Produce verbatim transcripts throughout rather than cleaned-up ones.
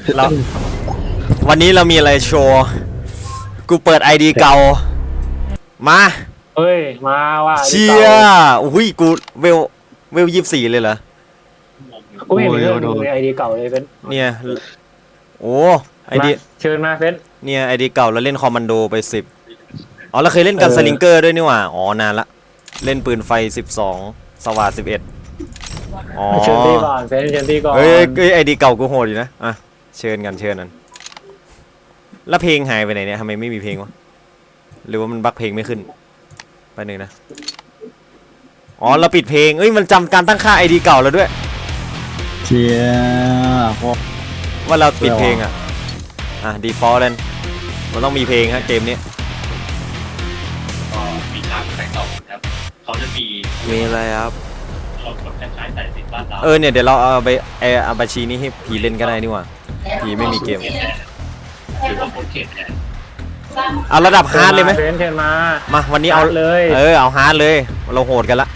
แล้ววันนี้เรามีอะไรโชว์ กูเปิด ไอ ดี เก่า มาเฮ้ยมาว่ะเชียอุ้ยกูเวลเวลยี่สิบสี่เลยเหรอกูไม่เห็นมีเรื่องดูในไอดีเก่าเลยเฟนเนี่ยโอ้ไอมาดีเชิญมาเฟนเนี่ยไอดีเก่าแล้วเล่นคอมมานโดไปสิบอ๋อเราเคยเล่นกันเออสลิงเกอร์ด้วยนี่หว่าอ๋อนานละเล่นปืนไฟสิบสองสว่านสิบเอ็ดอ๋อเชิญที่ก่อนเฟนเชิญที่ก่อนเฮ้ยเฮ้ยไอดีเก่ากูโหดอยู่นะอ่ะเชิญกันเชิญนั้นแล้วเพลงหายไปไหนเนี่ยทำไมไม่มีเพลงวะหรือว่ามันบั๊กเพลงไม่ขึ้นไปหนึ่งนะอ๋อเราปิดเพลงเอ้ยมันจำการตั้งค่าไอดีเก่าแล้วด้วยเชียพวกว่าเราปิดเพลงอ่ะอ่ะ default เลยมันต้องมีเพลงฮะเกมนี้ก็มีทางแต่งต่อครับเขาจะมีมีอะไรครับรถแบบคล้ายๆแต่สินบ้านเราเออเนี่ยเดี๋ยวเราเอาไปไออาบัญชีนี้ให้ผีเล่นก็ได้นี่หว่าผีไม่มีเกมหรือว่าโคเคนเนี่ยเอาระดับฮาร์ดเลยไหมเฟนเชิญมามาวันนี้เอาฮาร์ดเลยเออเอาฮาร์ดเลยเราโหดกันละ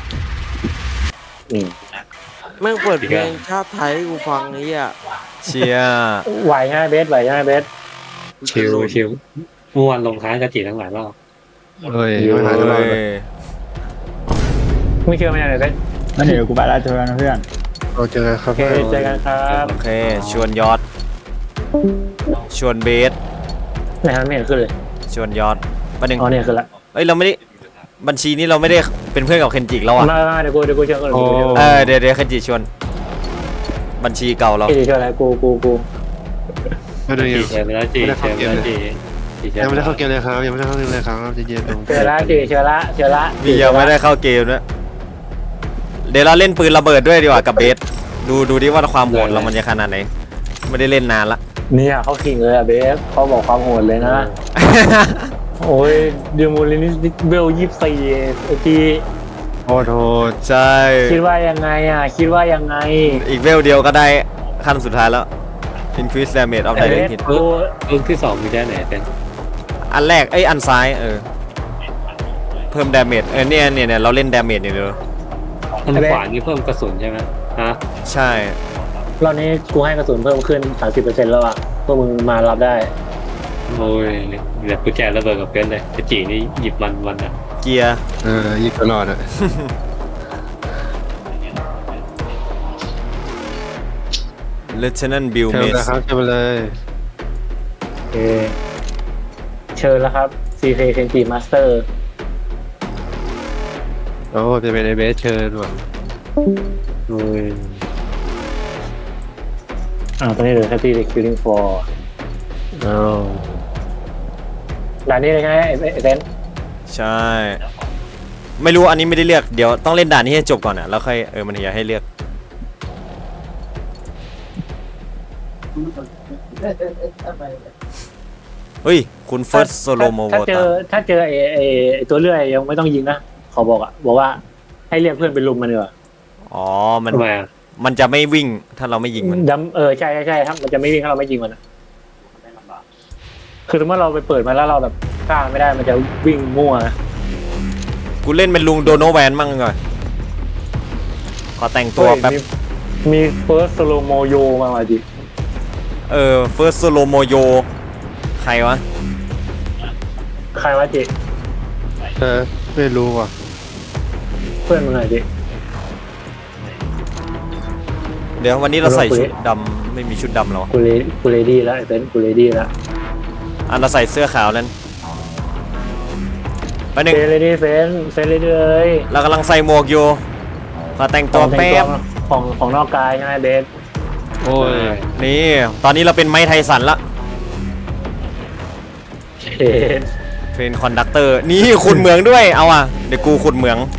แม่งเปิดเพลงชาติไทยให้กูฟังนี้อ่ะเชียไหวใช่ไหมเบสไหวใช่ไหมเบสชิลชิลเมื่อวานลงท้ายกระจีทั้งหลายรอบเฮ้ยไม่หายเอไปเลย้ยไม่เชื่อไม่ได้เลยเฟนนั่นเดี๋ยวกูไปแล้วเจอกันนะเพื่อนเราเจอกันครัโอบ เคเจอกันครับโอเคชวนยอด ชวนเบสไหนฮะไม่เห็นขึ้นเลยชวนยอดประเด็นอ๋อเนี่ยขึ้นละเอ้ยเราไม่ได้บัญชีนี้เราไม่ได้เป็นเพื่อนกับเคนจิแล้วอ่ะมามาเดี๋ยวกูเดี๋ยวกูเชิญก่อนเดี๋ยวกูเชิญเออเดี๋ยวเดี๋ยวเคนจิชวนบัญชีเก่าเราเดี๋ยวเชิญอะไรกูกูกูไม่ได้จีเชิญไปแล้วจีเชิญไปแล้วจีจีเชิญยังไม่ได้เข้าเกมเลยครับยังไม่ได้เข้าเกมเลยครับเย็นๆเชิญละเชิญเชิญละเชิญละพี่ยังไม่ได้เข้าเกมนะเดี๋ยวเราเล่นปืนระเบิดด้วยดีกว่ากับเบสดูดูดิว่าความโหดเรามันจะขนาดไหนไม่ได้เล่นนานละเนี่ยเขาขิงเลยอะเบสเขาบอกความโหดเลยนะ โอ้ยเดมูลินิสเบลยี่สี่ทีโอ้โหใช่คิดว่ายังไงอ่ะ คิดว่ายังไงอีกเวลเดียวก็ได้ขั้นสุดท้ายแล้ว increase damage of เบ direct ส hit กูรุ่นที่สองมีได้ไหนเป็นอันแรกไอ้ยอันซ้ายเออเพิ่ม damage เออเนี่ยเนี่ยเนี่ยเราเล่น damage อย่างเดียวอันขวานี่เพิ่มกระสุนใช่ไหมฮะใช่รอบนี้กูให้กระสุนเพิ่มขึ้น สามสิบเปอร์เซ็นต์ แล้วอ่ะพวกมึงมารับได้โอ้ยเดี๋ยวกูแจกระเบิดกับเพื่อนเลยกระจีนี่หยิบมันวันอ่ะเกียร์เออยิงตลอดอ่ะ lieutenant bill เชิญ mace นะครับเชิญเลยโอเค เชิญแล้วครับ ซี เค Kenji Master โอ้จะเป็นไอเบสเชิญว่ะโอ้ยอ่าตอนนี้เหลือแค่ที่ Killing Floor อ้าวด่านนี้เลยใช่ไหมไอ้ไอ้เซนใช่ ไม่รู้อันนี้ไม่ได้เลือกเดี๋ยวต้องเล่นด่านนี้ให้จบก่อนอ่ะแล้วค่อยเออมันถึงจะให้เลือกเฮ้ยคุณเฟิร์สโซโลโมโวถ้าเจตาอถ้าเจอไอ้ไอ้ไอ้ตัวเลื่อยยังไม่ต้องยิงนะเขาบอกอ่ะ บอกว่าให้เรียกเพื่อนไปลุมมันเถอะอ๋อมันทำไมอ่ะมันจะไม่วิ่งถ้าเราไม่ยิงมันดำเออใช่ใช่ใช่ครับมันจะไม่วิ่งถ้าเราไม่ยิงมันอะคือสมมติเราไปเปิดมาแล้วเราแบบฆ่ามันไม่ได้มันจะวิ่งมั่วนะกูเล่นเป็นลุงโดโนแวนมั่งก่อนขอแต่งตัวแป๊บเฮ้ยมีมีเฟิร์สโลโมโยมาว่ะจิเออเฟิร์สโซโลโมโยใครวะใครวะจิเออไม่รู้ว่ะเพื่อนมึงไงจิเดี๋ยววันนี้เราใส่ชุดดำไม่มีชุดดำแล้วกูเลกูเลดี้แล้วไอ้เป็นกูเลดี้แล้วอันเราใส่เสื้อขาวนั้นไปหนึ่งเฟนเลดี้เฟนเฟนเลดี้เลยเรากำลังใส่หมวกอยู่ขอแต่งตัวแป๊บของของนอกกายใช่ไหมเบสโอ้ยนี่ตอนนี้เราเป็นไม้ไทสันละเอ็ดเทรนคอนดักเตอร์นี่ขุดเหมืองด้วยเอาอ่ะเดี๋ยวกูขุดเหมือง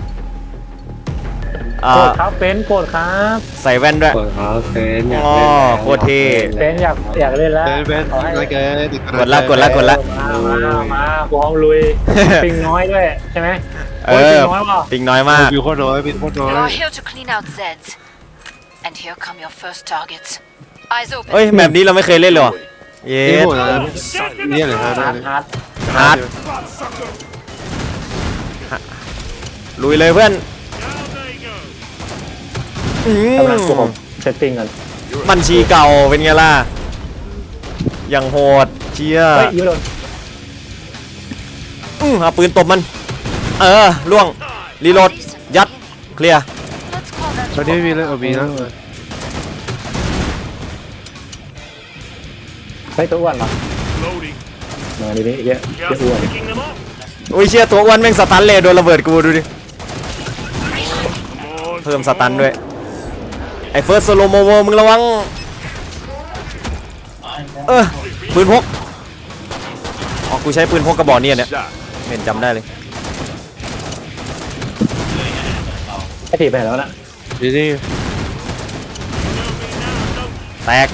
อ่าโกดครับเฟนโกดครับใส่แว่นด้วยเปิดเขาเฟนอยากอ๋อเล่นแล้วโคตรเท่เฟนอยากอยากเล่นแล้วเบสเบสขอให้อะไรแกกดละกดละกดละมามามากูพร้อมลุย ปิงน้อยด้วยใช่ไหมเอโอ้ยอปิงน้อยว่ะปิงน้อยมากวิวโคตรน้อยวิวโคตรน้อย You are here to clean out Zeds. And here come your first targets. Eyes open. เอ้ยแบบนี้เราไม่เคยเล่นเลยเหรอเย้นี่โหดนะนี่อะไรฮะฮาร์ดฮาร์ดฮาร์ดลุยเลยเพื่อนอืกำลังกูมเซตติ้งกันบัญชีเก่าเป็นไงล่ะยังโหดเชี่ยเฮ้ยยูโดนอื้อเอาปืนตบมัน เออล่วงรีโหลดยัดเคลียร์ Let's call that ตอนนี้ไม่มีเลยเอามีนะเฮ้ยตัวอ้วนเหรอมาดินี่เยอะเยอะอ้วนอุ้ยเชี่ยตัวอ้วนแม่งสตันเลยโดนระเบิดกูดูดิเพิ่มสตันด้วยไอ้เฟิร์สโซโลโมโวมึงระวังเออปืนพกอ๋อกูใช้ปืนพกกระบอกเนี่ยเนี่ยเห็นจำได้เลยไอ้ถีบไปไหนแล้วนะนี่นี่แตก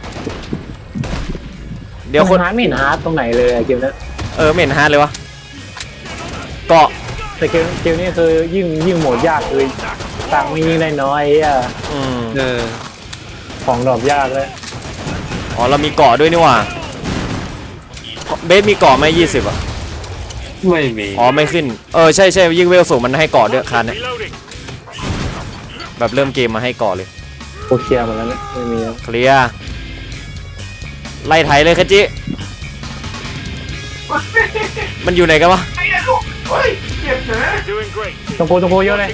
เดี๋ยวคนฮาร์ดไม่เห็นฮาร์ดตรงไหนเลยเกมนี้เออไม่เห็นฮาร์ดเลยวะเกาะแต่เกมเกมนี้คือยิ่งยิ่งโหมดยากคือตังค์ไม่ยิ่งได้น้อยอ่ะอืมเออของดรอปยากเลยอ๋อเรามีเกาะด้วยนี่หว่าเบสมีเกาะไหมยี่สิบอ่ะไม่มีอ๋อไม่ขึ้นเออใช่ใช่ยิ่งเวลสูงมันให้เกาะด้วยคันเนี่ยแบบเริ่มเกมมาให้เกาะเลยโอเคลียร์หมดแล้วเนี่ยไม่มีแล้วเคลียร์ไล่ไถเลยคจิ มันอยู่ไหนกันวะตรงโพตรงโพเยอะเลย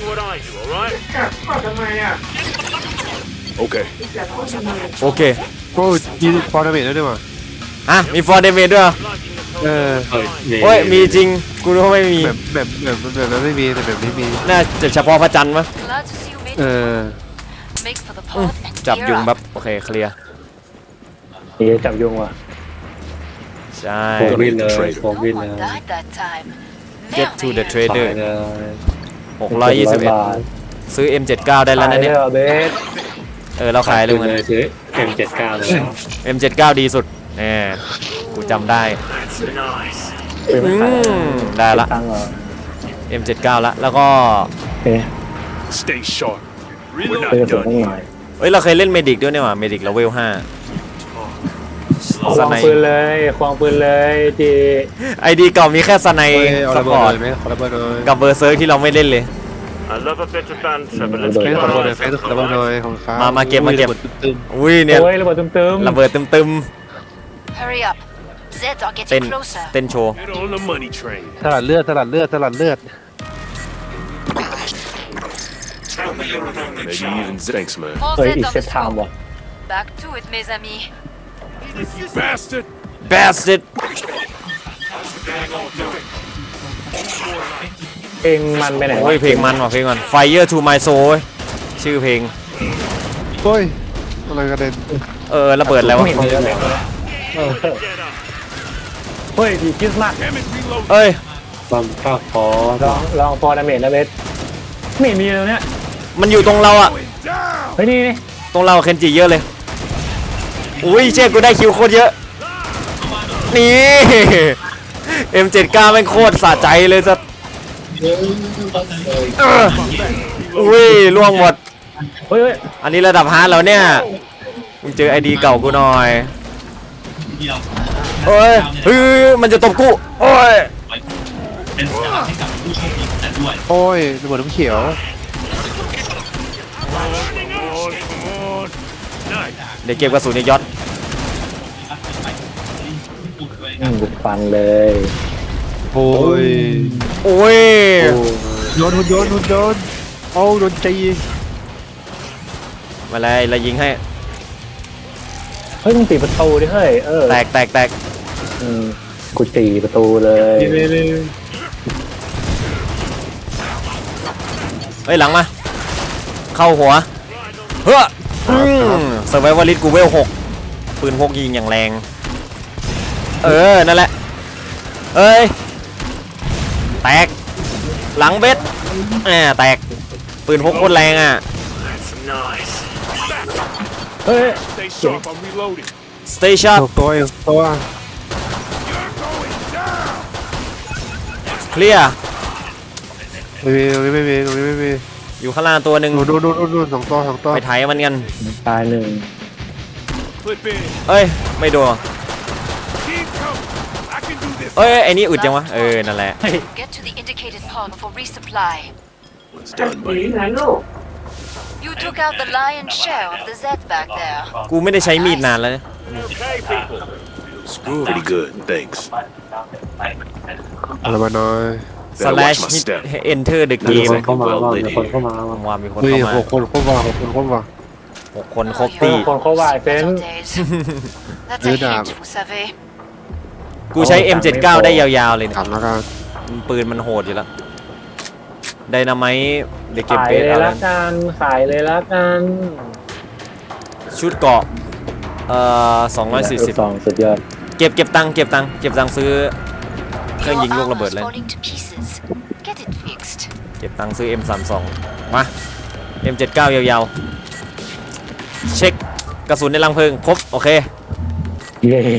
โอเคโอ้ยมีฟอร์นาเมนต์ด้วยว่ะอ่ะมีฟอร์เดเมดด้วยเหรอเออเอ้ยโอ้ยมีจริงกูรู้ว่าไม่มีแบบแบบแบบแบบนั้นไม่มีแต่แบบนี้มีน่าจะเฉพาะพระจันทร์มั้ย glad to see you made เอ it. อ Make for the pod and จับ gear ยุง up. แบบโอเคเคลียร์นี่จับยุงว่ะใช่โฟมวินเลยโฟม No วินเลย one died that time. get to the Merveilleux. trader ขายเลยหกร้อยยี่สิบเอ็ดบาทซื้อ เอ็ม เจ็ดสิบเก้า ได้แล้วนะเนี่ยขายได้เหรอเบสเออเราขายเลยเลมันยซื้อ เอ็ม เจ็ดสิบเก้า เลยเอ็ม เจ็ดสิบเก้า ดีสุดแหมกูจำได้เป็นอืขายมได้ละตังค์เหรอเอ็ม เจ็ดสิบเก้า ละแล้วก็โอเค Stay sharp. We're เป็น not ส่วน done ต้องห yet. น่อยเอ้ยเราเคยเล่นเมดิกด้วยเนี่ยว่ะเมดิกเราเวลห้าควสงไนปืนเลยควงปืนเลยจีไอดีเก่ามีแค่สไนเอ้ยเอาสระปเบิดอร์ตเลยไหมขอระเบิดหน่อยกับเบอร์เซิร์กที่เราไม่เล่นเลย I love a bit of banter, but ระ let's เบิดเฟ keep สขอระ our เบิดหน่อย eyes เฟสขอระเบิดหน่อยของเขามามาเก็บมาเก็บระบิดตึมอุ้ยเนี่ยโอ้ยระเบิดตึมๆระเบิดตึม Hurry up. Zeds are ๆเต้น getting closer. เต้นโชว์ Get on the money train. ๆสลัดเลือดสลัดเลือดสลัดเลือด Maybe even thanks, man. More เฮ้ย Zeds อีก on เซ the ตไทม์ scope. ว่ะ Back to it, mes amis. Bastard! bastard เพลงมันไปไหนวะโอ้ยเพลงมันว่ะเพลงมัน Fire to my soul เว้ยชื่อเพลงโอ้ยอะไรกระเด็นเออระเบิดแล้ววะไม่เห็นมีอะไรเลยเออเฮ้ยดีคิดมาก Damn it, reload! เอ้ยความข้าวคอลองลองฟอร์ดาเมจนะเบสไม่เห็นมีเลยเนี่ยมันอยู่ตรงเราอะ Down! เฮ้ยนี่นี่ตรงเราเคนจิเยอะเลยอุ้ยเชี่ยกูได้คิวโคตรเยอะนี่ เอ็ม เจ็ดสิบเก้า แม่งโคตรสะใจเลยสัสเอออุ้ยล่วงหมดเฮ้ยเฮ้ยอันนี้ระดับฮาร์ดแล้วเนี่ยมึงเจอไอดีเก่ากูหน่อยโอ้ยเฮ้ยมันจะตบกูโอ้ยโอ้ยระเบิดน้ำเขียว Come on, come on! Nice! เดี๋ยวเก็บกระสุนในยศอืมบุกฟันเลยโอ้ยโอ้ยโดนหุ่นยนต์หุ่นยนต์โอ้โดนจีมาเลยเรายิงให้เฮ้ยมึงตีประตูดิเฮ้ยเออแตกแตกแตกอืมกูตีประตูเลยนี่นี่นี่เฮ้ยหลังมาเข้าหัวเฮ้อเซอร์ไววอลิสกูเวลหกปืนพกยิงอย่างแรงเออนั่นแหละเอ้ยแตกหลังเบ็ดแหมแตกปืนพกโคตรแรงอ่ะ That's nice. เฮ้ย Stay sharp, I'm reloading. สเตชันหกตัวเองตัว You're going down! เคลียร์ไม่มีตรงนี้ไม่มีตรงนี้ไม่มีอยู่ข้างล่างตัวหนึ่งดูดูดูดูดูสองตัวสองตัวไปไถมันกันตายหนึ่ง Clip in. เอ้ยไม่โดน Keep coming. I can do this. เอ้ยไอ้นี่อึดจังวะเออนั่นแหละ Get to the indicated pod for resupply. It's done, buddy. You took out the lion's share of the Zeds back there. กูไม่ได้ใช้มีดนานแล้วเนี่ย Okay, people. Pretty good, thanks. อะไรมาหน่อย slash hit enter the มี game คนเข้ามาบ้างมีคนเข้ามาผมว่ามีคนเฮ้ยเข้ามาหกคนครบว่ะหกคนครบว่ะหกคนครบเฮ้ยตีคนเข้าว่าเซน Better days. That's a Good job. hint, vous savez. กูใช้ เอ็ม เจ็ดสิบเก้า ได้ยาวๆเลยเนี่ยถามแล้วกันปืนมันโหดอยู่แล้วไดนาไมต์เด็กเก็บขายเบสเลยอะไรละกันขายเลยละกันชุดเกาะเอ่อสองร้อยสี่สิบสองสุดยอดเก็บเก็บตังค์เก็บตังค์เก็บตังค์ซื้อเครื่อง Your ยิงลูกระเบิด armor's เลย falling to pieces. Get it fixed. เก็บตังค์ซื้อ เอ็ม สามสิบสอง มา เอ็ม เจ็ดสิบเก้า ยาวๆ เช็คกระสุนในรังเพลิงครบ โอเคเย้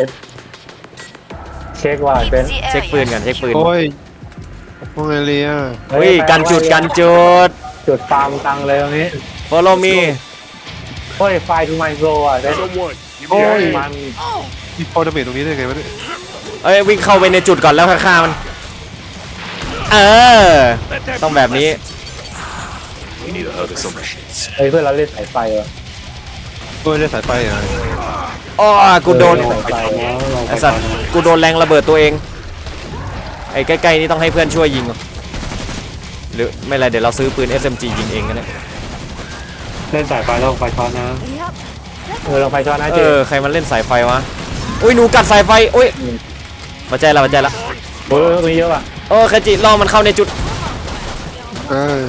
เช็คว่า Keep เป็น the เช็คปืน area กันเช็คปืนโอ้ยพวกไงเลียเฮ้ยกันจุดกันจุดจุดฟาร์มตังเลยตรงนี้ follow me เฮ้ยไฟทูไมโซอ่ะเซน Someone, give โอ้ me a ย hand. มันมีพอดาเมจตรงนี้ได้ไงวะเนี่ยเอ้ยวิ่งเข้าไปในจุดก่อนแล้วฆ่ามัน เออ Let that ต้อง be แบบนี้ We need a hug or something. เฮ้ยเพื่อนเราเล่นสายไฟเหรอโอ้ยได้สายไฟอ่ะอ้อกูโดนเล่สายไฟไอสัตว์กูโดนแรงระเบิดตัวเอง ไอ้ใกล้ๆนี่ต้องให้เพื่อนช่วยยิง หรือไม่ไรเดี๋ยวเราซื้อปืน เอส เอ็ม จี ยิงเองกันเลยเล่นสายไฟแล้วไฟช็อตนะเออลองไฟช็อตนะเอเจอใครมันเล่นสายไฟวะ อุ้ยหนูกัดสายไฟ อุ้ยมาใจละมาใจละเออตรงนี้เยอะป่ะโอ้คาจิล่อมันเข้าในจุดเออ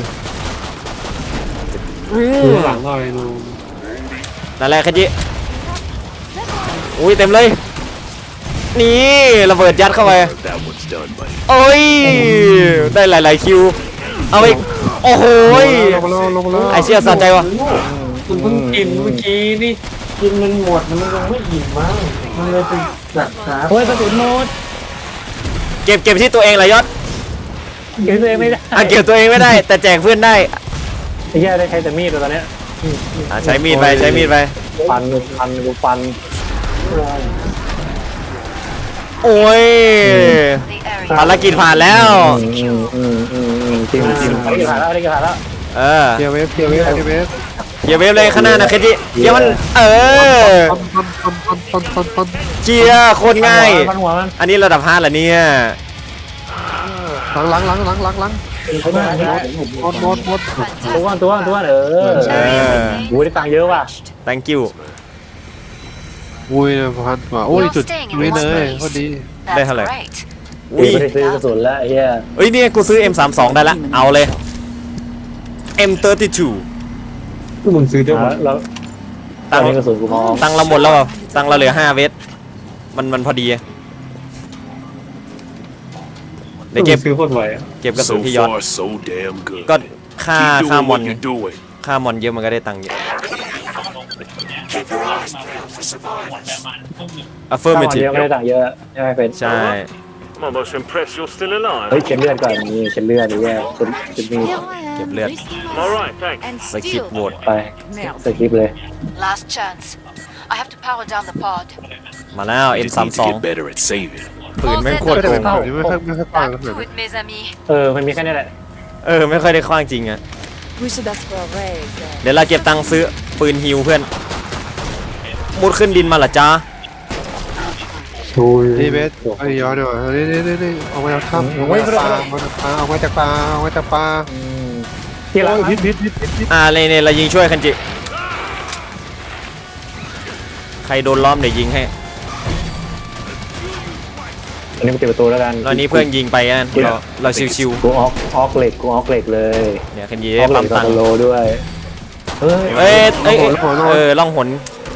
อืมดูหลังหน่อยดูนั่นแหละคาจิอุ้ยเต็มเลย นี่ระเบิดยัดเข้าไป That one's done, buddy. โอ้ยได้หลายๆคิว เอาอีกโอ้โหยลงมาแล้วลงมาแล้วไอเชี่ยสะใจวะคุณเพิ่งกินเมื่อกี้นี่กินมันหมดมันยังไม่อิ่มมั้งมันเลยเป็นจัดขาเฮ้ยกระสุนหมดเก็บเก็บที่ตัวเองเหรอยศเก็บตัวเองไม่ได้อ่ะเก็บตัวเองไม่ได้ แต่แจกเพื่อนได้ไอ้แย่ได้ใช้แต่มีดตอนเนี้ยอ่ะใช้มีดไปใช้มีดไปฟันฟันกูฟันโอ้ย the area. ภารกิจผ่านแล้วอืมอืมอืมอืมจริงจริงอันนี้ผ่านแล้วอันนี้ผ่านแล้วเออเทียร์เวฟเทียร์เวฟเทียร์เวฟเคลียร์เวฟเลยข้างหน้านะเคจิเคลียร์มัน เออปันปันปันปันปันปันเคลียร์โคตรง่ายฟันหัวมันอันนี้ระดับห้าเหรอเนี่ยหลังหลังหลังหลังหลังหลังเขาไม่ได้หมดหมดหมดตัวตัวตัวเออเออโอ้ยได้ตังค์เยอะว่ะ thank you อุ้ยพันว่ะโอ้ยจุดนี้เลยพอดีได้ That's เท่าไหร่ great. อุ้ยไม่ได้ซื้อกระสุนแล้วไอ้เหี้ยเอ้ยเนี่ยกูซื้อ เอ็ม สามสิบสอง ได้ละ เอาเลย เอ็ม สามสิบสองคือมึงซื้อได้หมดแล้วตัตังงค์ค์กระสุนกูมองตังค์เราหมดแล้วเปล่าตังค์เราเหลือห้าเวทมันมันพอดีอะเดี๋ยวเก็บซื้อโคตรไวอ่ะเก็บกระสุน So ที่ยอด far, so damn good. ก็ค่า Keep ค่าม doing อน what you're doing. ค่ามอนเยอะมันก็ได้ตังค์เยอะถ้ามัน affirmative เยอะไม่ได้ตังค์เยอะใช่ไหมเป็นใช่ I'm almost impressed you're still alive. เฮ้ยเช็ดเลือดก่อนนี่เช็ดเลือดไอ้เหี้ยเช็ดเช็ดมีดเก็บเลือด All right, thanks. And สกิป still, โหวตไปสกิปเลย last chance. I have to power down the pod. มาแล้ว You เอ็ม just สาม need สิบส to อง get better at saving. ปืนแม่งโคตรไม่ได้โกเป็นงแบบนี้ไม่ค่อยไม่ค่อยปัง Back ขนาด to นั้น it, mes amis. เออมันมีแค่นี้แหละเออ ไม่ค่อยได้คว้างจริงอะ We should ask for a raise. เดี๋ยวเราเก็บตังค์ซื้อปืนฮิวเพื่อน มุดขึ้นดินมาเหรอจ๊ะนี่เบสไอ้ย้อนดีกว่านี่นี่นี่นี่ออกมาจากถ้ำออกมาจากป่าออกมาจากป่าออกมาจากป่าออกมาจากป่าอืมที่ร้านพิษพิษพิษพิษพิษอ่าเลยเนี่ยเรายิงช่วยคันจิ ใครโดนล้อมเดี๋ยวยิงให้อันนี้กูเก็บประตูแล้วกันตอนนี้เพื่อนยิงไปอ่ะเราเราชิวกูออกออกเหล็กกูออกเหล็กเลยๆเนี่ยคันจิอได้อกเหล็ปั๊กมตตังค์โลด้วยเฮ้ยเอ้ยเอ้ยเอ้ยเออล่องหน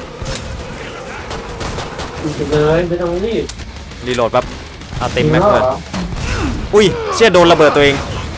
เลยไม่ต้องรีบรีโหลดแป๊บเอาเต็มแม็กเลยอุ้ยเชี่ยโดนระเบิดตัวเอง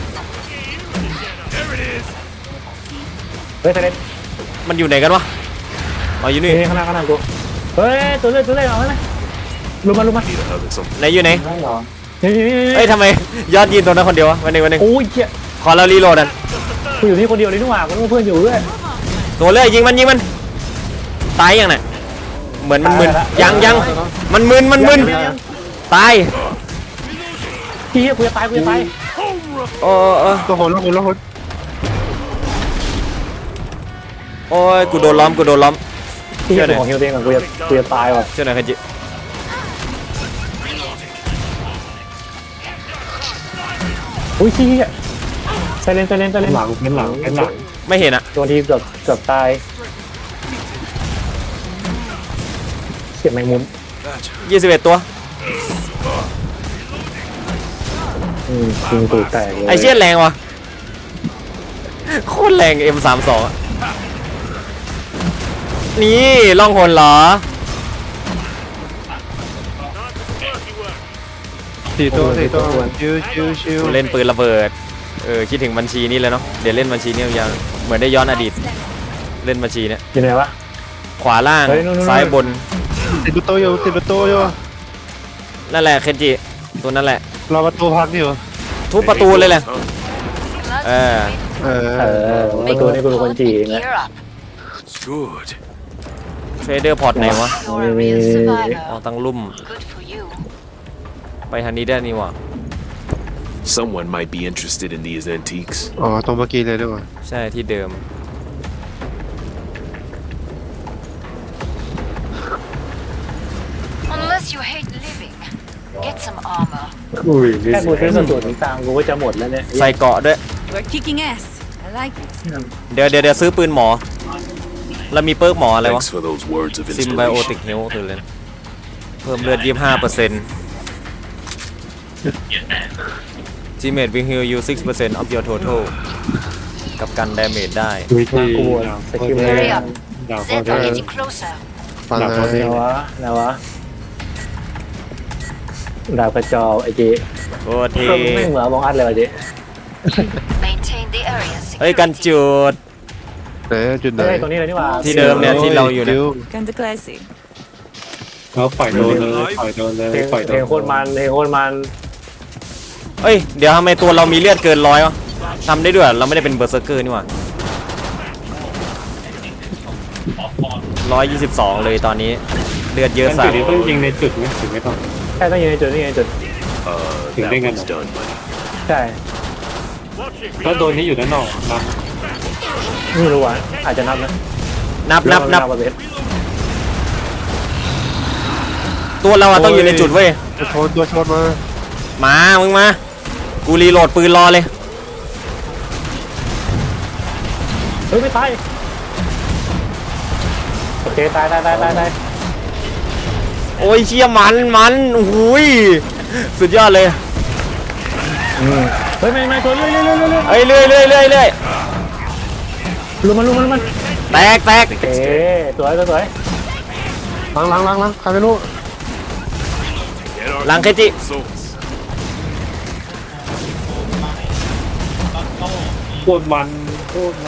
เฮ้ยเทเลนมันอยู่ไหนกันวะอ๋ออยู่นี่นี่ข้างหน้าข้างหน้ากูเฮ้ยตัวเลือดตัวเลือดเอาไหมลุมมาลุมมา Need a hug or something. ไหนอยู่ไหนนี่นี่นี่เอ้ยทำไมยอดยิงตรงนั้นคนเดียววะวันหนึ่งวันหนึ่งโอ้ยเจี๊ยขอเรารีโหลดอ่ะกูอยู่นี่คนเดียวเลยนี่หว่ากูต้องเพื่อนอยู่ด้วยตัวเลื่อยยิงมันยิงมันตายยังไงเหมือนมันมึนยังยังมันมึนมันมึนตายพี่เฮียกูจะตายกูจะตายโอ้เออตัวโหนแล้วโหนแล้วโหนโอ้ยกูโดนล้อมกูโดนล้อมพี่เฮียกูของเฮียเองก่อนกูจะกูจะตายว่ะเจ้าหน่อยคันจิอุ้ยชี้อ่ะไซเลนไซเลนไซเลนหลังเป็นหลังเป็นหลังไม่เห็นอะตัวที่เกือบเกือบตายเสียบแมงมุมยี่สิบเอ็ดตัวอืมยิงตูดแตกเลยไอเชี่ยแรงว่ะโคตรแรง เอ็ม สามสิบสอง อะนี่ล่องหนเหรอสี่ตัวสี่ตัวชิวชิวชิวเล่นปืนระเบิด เออคิดถึงบัญชีนี้เลยเนาะ เดี๋ยวเล่นบัญชีนี้ยาวๆเหมือนได้ย้อนอดีต เล่นบัญชีเนี่ยอยู่ไหนวะขวาล่างเฮ้ยนู่นๆๆซ้ายบนติดประตูอยู่ติดประตูอยู่นั่นแหละเคนจิ ตัวนั่นแหละรอประตูพักอยู่ทุบประตูเลยแหละ Let's Uh. wait. เอเอออประตูนี่กูเป็นคนจีนนะ Gear up. It's good. เทรดเดอร์พอร์ตไหนวะ You're a real อ๋อ survivor. ตั้งลุ่ม Good for you. ไปทางนี้ได้นี่วะ Someone might be interested in these antiques. อ๋อตรงเมื่อกี้เลยด้วยวะใช่ที่เดิม Unless you hate living, get some armor. อุ้ยแค่กูซื้อกระสุนตามกูก็จะหมดแล้วเนี่ยใส่เกราะด้วย We're kicking ass. I like it. เดี๋ยวเดี๋ยวเดี๋ยวซื้อปืนหมอ แล้วมีเปิร์กหมออะไรวะ Thanks for those words of ซิมไบโอติก inspiration. เฮลคือเลยนะเพิ่มเลือด ยี่สิบห้าเปอร์เซ็นต์ Teammate will heal you ซิกซ์เปอร์เซ็นต์ of your total กับกัน damage ได้วิธีกูบวชสกิลเลย Hurry up. ดาว Zeds are getting closer. ฟังหลังนะเขาเอไหนงวะไหนวะดาวกระจอกไอ้เจ๊โอ้เทไม่เหมือนมองอัดเลยวะเจ๊ Maintain the area's เฮ้ย กัน security. จุดไหนจุดไหนเฮ้ยตรงนี้เลยนี่หว่าที่เดิมเนี่ยที่เราอยู่เนี่ย Kinda classy. แล้วปล่อยโดนเลยปล่อยโดนเลยเพลงปล่อยโดเพลนงโคตรมันเพลงโคตรมันเอ้ย เดี๋ยวทำไมตัวเรามีเลือดเกินร้อยวะทำได้ด้วยเหรอเราไม่ได้เป็นเบอร์เซอร์เกอร์นี่หว่าร้อยยี่สิบสองเลยตอนนี้ เลือดเยอะจุสัดสนี้ต้องยิงในจุดไหมถึงไม่ต้องใช่ต้องยิงในจุดนี่ไงจุด Uh, Think that they one's got- done, buddy. ใช่ถ้าโดนนี้อยู่ด้านนอกนะไม่รู้ว่ะอาจจะนับนะนับนับนับประเภทตัวเราอะต้องอยู่ในจุดเว้ยตัวชนตัวชนมามา มึงมา กูรีโหลดปืนรอเลยเฮ้ยไม่ตายโอเคตายตายตายตายตายโอ้ยเชี่ยมันมันโอ้โหยสุดยอดเลยอืมเฮ้ยไม่ไม่ตัวเรื่อยเรื่อยเรื่อยเรื่อยเอ้ยเรื่อยเรื่อยเรื่อยเรื่อยลุมมันลุมมันลุมมันแตกแตกโอเคสวยสวยสวยล้างล้างล้างล้างใครไม่รู้ Get our หลังเคจิ souls. โคตรมันโคตรมัน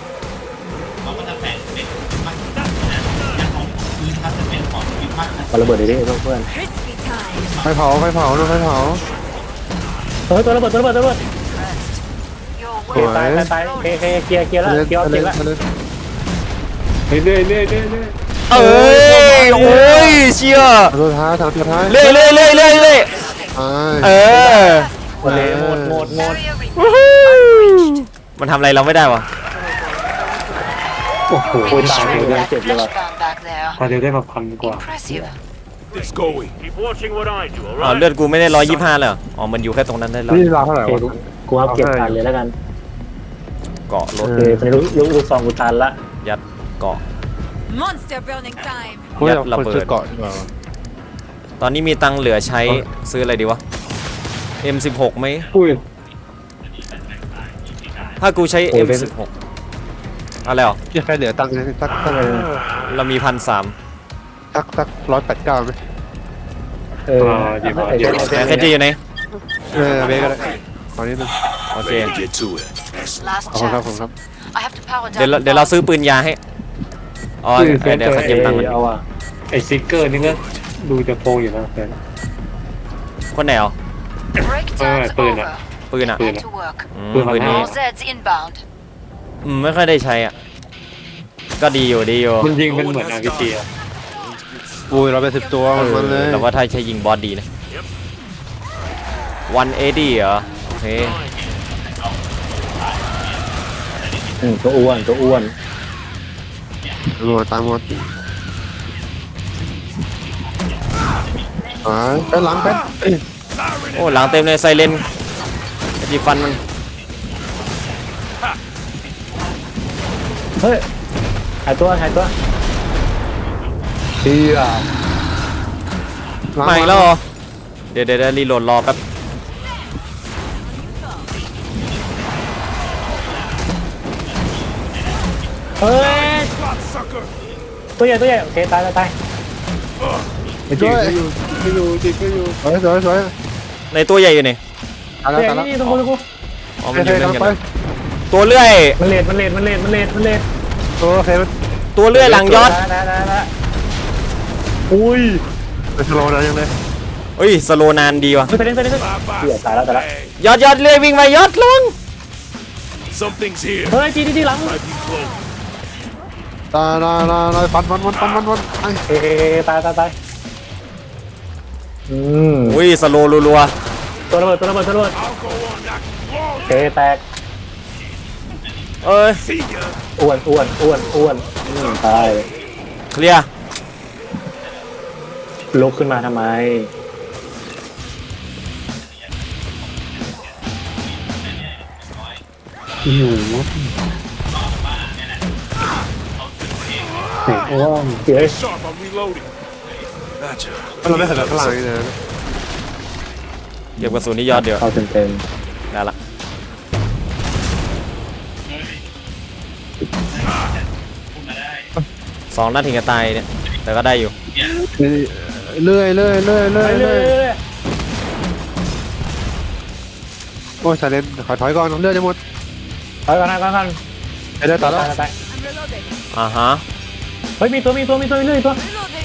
มาระเบิดเลยดิเพื่อน Crispy time. ไฟเผาไฟเผาดูไฟเผาเฮ้ยตัวระเบิดตัวระเบิดตัวระเบิด Your โอเคตายตายตายโอเคโอเคเคลียร์เคลียร์แล้วเคลียร์เคลียร์แล้วเรื่อยเรื่อยเรื่อยเรื่อยเอ้ยโอ้ยเชี่ยทางตัวท้ายทางตัวท้ายเรื่อยเรื่อยเรื่อยเรื่อยเรื่อยไปเออหมดเลยหมดหมดหมด area วู้ reached. ฮู้มันทำอะไรเราไม่ได้วะโอ้โหโอ้ยตาย Showing เลย that เจ็บเลยว่ะ flashbang back there. พาเดียวได้มาพันกว่า Impressive. It's going. Keep watching what I do, อ๋อ alright? เลือดกูไม่ได้ร้อยยี่สิบห้าเลยเหรออ๋อมันอยู่แค่ตรงนั้นได้แล้วนี่ราวเท่าไหร่โอเควะกูเอาเก็บตันเลยแล้วกันเกาะรโอถเคตอนนี้ลูกลูกลูกซองกูตันละยัดเกาะ Monster burning time. เฮ้ยยัดเราระคนเบิดซื้อเกาะดีกว่าตอนนี้มีตังค์เหลือใช้ซื้ออะไรดีวะ เอ็ม สิบหก ไหมอุ้ยถ้ากูใช้โอ้เอ็ยมเป็นสิบหก อะไรหรอยังใครเหลือตังค์สักสักเรามีพันสามสักสักร้อยแปดเก้าไหมเออไอ้เจ้าแต่แค่จะอยู่ไหนเออเบก็ได้ขอนิดนึงโอเค Ready to get to it. Last ขอบคุณครับขอบคุณ chance. ครับ I have to power เดี๋ยว down. เรา the เดี๋ยวเรา bomb. ซื้อปืนยาให้ อ๋อเดี๋ยวเดี๋ยวเขาเก็บตังค์กันเอาอ่ะไอซิกเกอร์นี่ก็ดูจะโปงอยู่นะแฟนคนไหนเอา Breakdown's Alright, over. ปืนอ่ะ Back to work. อืมปืนอะไรปืนนี้ All Zeds inbound. อืมไม่ค่อยได้ใช้อ่ะ ก็ดีอยู่ดีอยู่มันยิงเป็นเหมือนอาร์พีจีอะอุ้ยเราไปสิบตัวเอมันเลอย แต่ว่าถ้าใช้ยิงบอสดีนะวันเอดี้เหรอ โอเคอืมตัวอ้วนตัวอ้วนหมดตามหมดอ๋อไปหลังไปโอ้หลังเต็มเลยไซเลนจีฟันมันเฮ้ยหายตัวหายตัวเฮียมาอีกแล้วเหรอเดี๋ยวเดี๋ยวรีโหลดรอแป๊บเฮ้ยตัวใหญ่ตัวใหญ่โอเคตายตายตายไปช่วยไม่อยู่จิก็อยู่สวยสวยสวยในตัวใหญ่อยู่นี่ตายตัวแล้วใหญ่ตายแล้วนี่ตรงกูตรงกูอ๋อโอมันอเคยู่เล่นทำกันไปนะตัวเลื่อยมันเลดมันเลดมันเลดมันเลดมันเลดโอเคมันตัวเลื่อยหลังยอดได้ได้ได้ได้อุ้ยเป็นสโลว์นะยังไงเฮ้ยสโลนานดีว่ะเฮ้ยไปเล่นไปเล่นเฮียตายแล้วตายแล้วยอดยอดเลื่อยวิ่งมายอดลง Something's here. เฮ้ยจีดีดีหลัง Might be close. ตายตายตายตายฟันฟันฟันฟันฟันฟันไอ้เฮ้ยตายตายตายอืมอุ้ยสโลรัวตัวระเบิดตัวระเบิดตัวระเบิดโอเคแตกๆเอ้ยอ้วนอ้วนอ้วนอ้วนอืมตายเคลียร์ลุกขึ้นมาทำไมอืมโอ้เฮ้ย Sharp, I'm reloading. Gotcha. เราได้เห็นข้างหลังนี่นะเก็บกระสุนที่ยอดเดี๋ยวเข้าเต็มเต็มได้ละสองนัดถึงจะตายเนี่ยแต่ก็ได้อยู่เลื่อยเลื่อยเลื่อยเลื่อยเรื่เลื่ออยยโอ้ยชาเลนขอถอยก่อนเลื่อยจะหมดถอยก่อนนะก่อนก่อนไปได้ตายแล้วตายตาย I'm reloading. อ่าฮะเฮ้ยมีตัวมีตัวมีตัวมีเรื่อยตัว Reloading.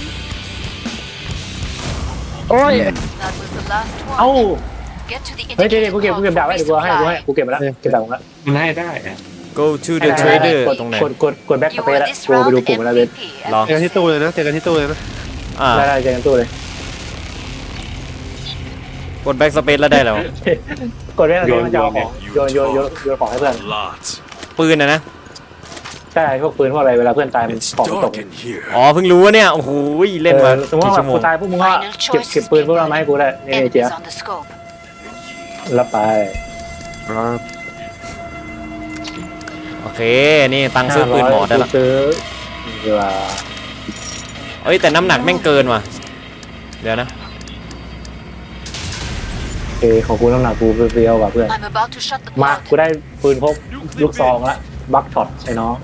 โอ้ย That was the last เอ้า one. Get to the เฮ้ยเดี๋ยว indicated กูเก็บกู code เก็บ for ดาบไว้เดี๋ยวกูให้กูให้ resupply. กูเก็บมาแล้วเก็บดาบมาแล้วมันได้ได้อะ go to the trader กดตรงไหนกดกดกดแบ็คส You เปซ were แล้ว this กูไป round ดูกลุ่มมาแล้วเว้ย M V P. รอเจอกันที่ตู้เลยนะเจอกันที่ตู้เลยนะอ่าได้ได้เจอกันตู้เลยกดแบ็กสเปซแล้วได้แล้วกดแบ็คสเปซมันจะเอาของโยนโยนโยนโยนของให้เพื่อน Lots. ปืนนะนะใช่พวกปืนพวกอะไรเวลาเพื่อนตายมัน It's ของมันตก dark in here. อ๋อเพิ่งรู้ว่าเนี่ยโอ้โหเล่นมาออสมมติกี่ว่าชั่วโมกูงตายพวกมึงก็ Final เก็บ choice เก็บ is ปืนพวกเรามาให้กูได้นี่ไอ้เจ๊ enemies on the scope. รับไปครับโอเคนี่ตังค์ซื้อปืนหมอได้ละกูซื้อเวลาเอ้ยแต่น้ำหนักแม่งเกินว่ะเดี๋ยวนะโอเคของกูน้ำหนักกูเปรี้ยวๆว่ะเพื่อน I'm about to shut the มา pod. กูได้ปืนพกลูกซองละบัคช็อตไอ้น้อง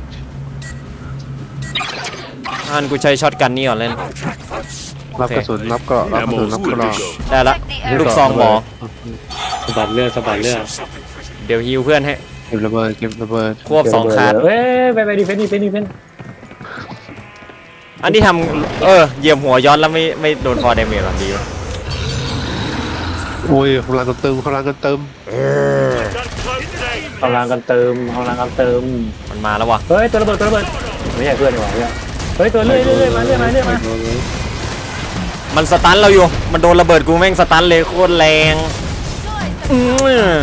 อันกูใช้ช็อตกันนี่ก่อนเล่นรับกระสุนรับเกราะรับกระสุน Ammo's รับ good เกราะ to go. ได้ละ Check the ลูก area. ซองหมอสะบัดเลือดสะบัดเลือดเดี๋ยวฮิวเพื่อนให้เก็บระเบิดเก็บระเบิดควบสองคาร์ดเอ้ยไปไปดีเฟนต์ดีเฟนต์ดีเฟนต์อันนี้ทำเออเหยียบหัวย้อนแล้วไม่ไม่โดนฟอร์เดเมจหรอดีวะอุ้ยกำลังกันเติมกำลังกันเติมกำลังกันเติมกำลังกันเติมมันมาแล้วว่ะเฮ้ยตัวระเบิดตัวระเบิดไม่ใช่เพื่อนดีกว่าเพื่อนเฮ้ยตัวเรื่อยเรื่อยมาเรื่อยมาเรื่อยมามันสตันเราอยู่มันโดนระเบิดกูแม่งสตันเลยโคตรแรงอืม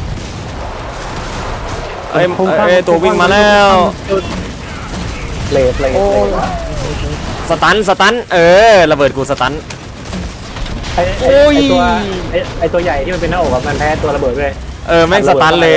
เอ้ยเอ้ยตัววิ่งมาแล้วเลทเลทเลทสตันสตันเออระเบิดกูสตันไอ้ไอ้ไอ้ตัวไอ้ไอ้ตัวใหญ่ที่มันเป็นหน้าอกอะมันแพ้ตัวระเบิดเลยเออแม่งสตันเลย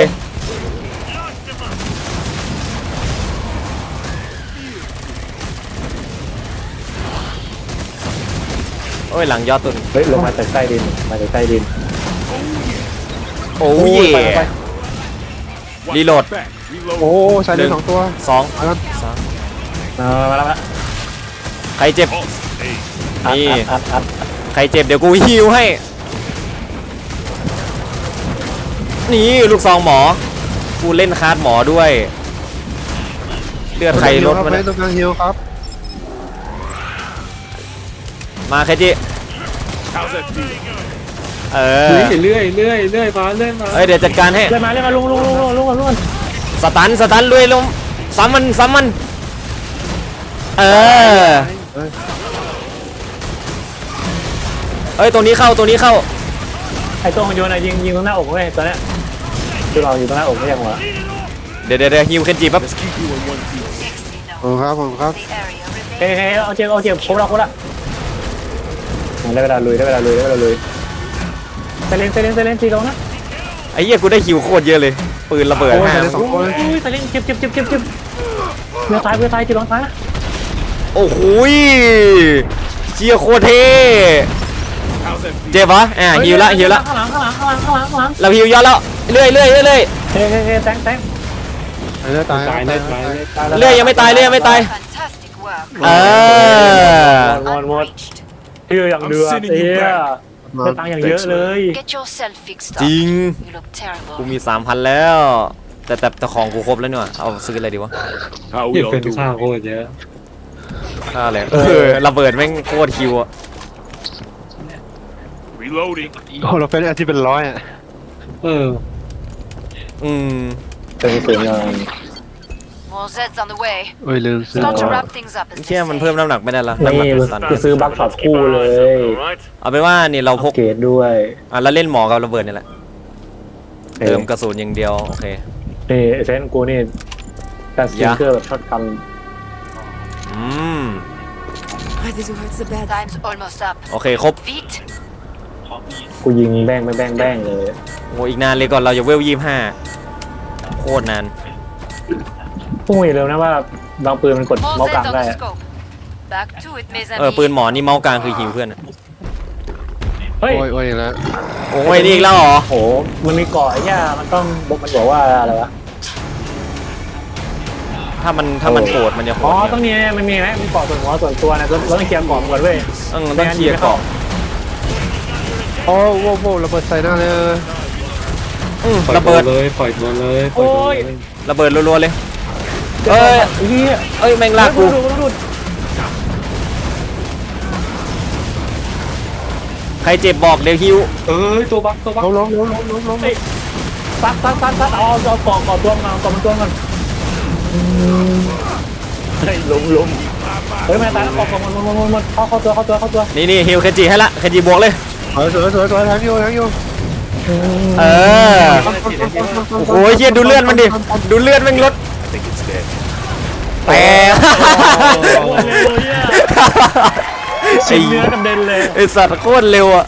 โอ้ยหลังยอดตุนเฮ้ยลงมาจากใต้ดินมาจากใต้ดินโอ้ยไปไปรีโหลด Back. Reload. โอ้ชายเลนสองตัวสองเอาละสามมามาแล้วมาใครเจ็บอัดนี่อัดอัดอัดใครเจ็บเดี๋ยวกูฮิวให้ นี่ลูกซองหมอ กูเล่นคาร์ดหมอด้วย เลือดใครลดครับมาไม่เนี่ยต้องการฮิวครับมาใครจิ How's that feel? เออเรื่อยเรื่อยเรื่อยมาเรื่อยมาเอ้ยเดี๋ยวจัดการให้เลื่อนมาเลื่อนมาลุงลุงลุงลุงลุงลุงสตันสตันลุยลงซ้ำมันซ้ำมัน เออ เอ้ยตัวนี้เข้าตัวนี้เข้าไอ้ตัวของโยนอะยิงยิงตรงหน้าอกเว้ยตัวเนี้ยคือเราอยู่ตรงหน้าอกไม่ใช่หัวเดี๋ยวเดี๋ยวเดี๋ยวฮิวเคนจิปั๊บ Let's keep you in one piece. Dixie ผม knows ครับผมครับ the area เฮ้ย remains. เฮ้ยเอาเจ็บเอาเจ็บครบแล้วครบแล้วได้เวลาลุยได้เวลาลุยได้เวลาลุยเซเลนเซเลนเซเลนตีลงนะไอ้เหี้ยกูได้คิวโคตรเยอะเลยปืนระเบิดโอ้ยห้าได้สองคนเลยโอ้ยตายเล่นเจ็บเจ็บเจ็บเจ็บเจ็บเรือตายเรือตายเจ็บร้องตายนะโอ้โหยเชียโคตรเท่เจ็บปะอ่ะฮิวละฮิวละข้างหลังข้างหลังข้างหลังข้างหลังข้างหลังเราฮิวย้อนแล้วเรื่อยเรื่อยเรื่อยเรื่อยเฮ้ยเฮ้ยเฮ้ยแตงแตงตายเลยตายตายตาได้ยตายได้เรื่อยยังไม่ตายเรื่อยยังไม่ตาย Fantastic work. เออหมดหมด Unreached. เฮียอย่างเดือดเฮียได้ตังค์อย่างเยอะเลย Get yourself fixed จ up. ริง You look terrible. กูมีสามพันแล้ว แต่แต่แต่ของกูครบแล้วนี่หว่าเอาซื้ออะไรดีวะ How เหี้ we ย all เป็น do? ข้าวโคตรเยอะค่าอะไรเออระเบิดแม่งโคตรคิวอะ Reloading. โอ้เราเป็นอันที่เป็นร้อยอ่ะเอออืมเป็นเสียงงาน More Zeds on the way. โอ้ยลืมซื้อ Start to wrap things up as เชี่ย they มัน say. เพิ่มน้ำหนักไม่ได้ละน้ำหนักนี่เป็นสันไปซื้อบัคช็อตคู่เลยเอาเป็นว่านี่เราพอักปเกรดด้วยอ่ะแล้วเล่นหมอกับระเบิดนี่แหละเติมกระสุนอย่างเดียวโอเคนี่เซนกูนี่การสติกเกอร์แบบช็อตกันอืม Ready to hurt the bed. Time's almost up. โอเคครบ Vite. กูยิงแบงแบงแบงแบงเลยโอ้อีกนานเลยก่อนเราจะเวลยี่ห้าโคตรนานพวกมึงอย่าลืมนะว่าบางปืนมันกด More เมาส์กลาง Zeds on ได้ the อะ scope. Back to it, mes เออ amis. ปืนหมอนี่เมาส์กลางคือฮิวเพื่อนอะเฮ้ยโอ้ยโอ้ยอีกแล้วโอ้ยนี่อีกแล้วเหรอโหมันมีเกาะไอ้ย่ามันต้องบอกมันบอกว่าอะไรวะถ้ามันถ้ามันโกรธมันจะโหอ๋อดต้องมีมันมีไหมมีเกาะส่วนหัวส่วนตัวนะเราเราต้องเคลียร์เกาะมันก่อนเว้ยต้องต้องเคลียร์เกาะโอ้โหโว้ระเบิดใส่หน้าเลยอืมปล่อยระเบิดตัวเลยปล่อยตัวเลยปล่อยตัวเลยระเบิดรัวๆเลยเอ้เอ้ยยเฮียเอ้ยแม่งลากกูดูดูดูใครเจ็บบอกเดี๋ยวฮิวเอ้ยตัวบักตัวบักล้มล้มล้มล้มล้มล้มซัดซัดซัดซัดเอาเอาเกาะเกาะตัวมาเกาะมันตัวมันเฮ้ยลุมลุมเฮ้ยมันตายแล้วเกาะเกาะมันมันมันมันเข้าเข้าตัวเข้าตัวเข้าตัวนี่นี่ฮิวเคนจิให้ละเคนจิบวกเลยสวยสวยสวยสวยทั้งอยู่ทั้งอยู่เออ โอ้โหเฮียดูเลือดมันดิ ดูเลือดแม่งลด I think it's dead. แต่โอ้ยเลยอ่ะชิ้นเนื้อกำเด็นเลยไอสัตว์โคตรเร็วอ่ะ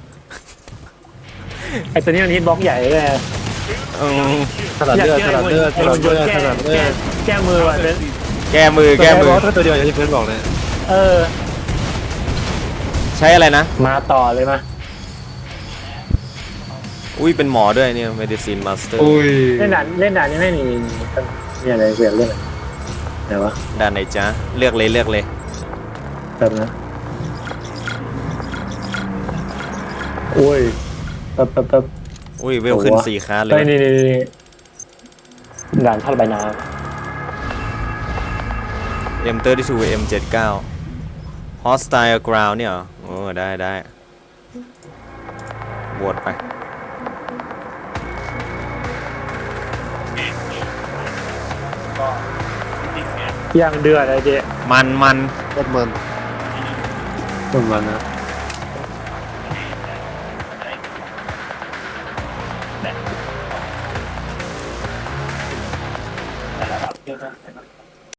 ไอ้ตัวนี้มันฮิตบล็อกใหญ่เลยอืมถนัดเลือดถนัดเลือดถนัดเลือดถนัดเลือดแก้มือว่ะเบนแก้มือแก้มือถ้าตัวเดียวอย่างที่เพื่อนบอกเลยเออใช้อะไรนะมาต่อเลยมาอุ้ยเป็นหมอด้วยเนี่ย medicine master โอ้ยเล่นด่านเล่นด่านนี้ไม่มีนี่อะไรเปลี่ยนเล่นอะไรไหนวะด้านไหนจ๊ะ เลือกเลยเลือกเลยแป๊บนะโอ้ยแป๊บแป๊บแป๊บอุ้ยเวลขึ้นสี่คาเลเฮ้ยยนี่นี่นี่ด่านท่าระบายน้เอ็ม สามสิบสอง เอ็ม เจ็ดสิบเก้า hostile ground เนี่ยเหรอโอ้ได้ได้บวชไปำย่างเดือดอะไรเจ๊มันมันรถมันประมาณนั้นเ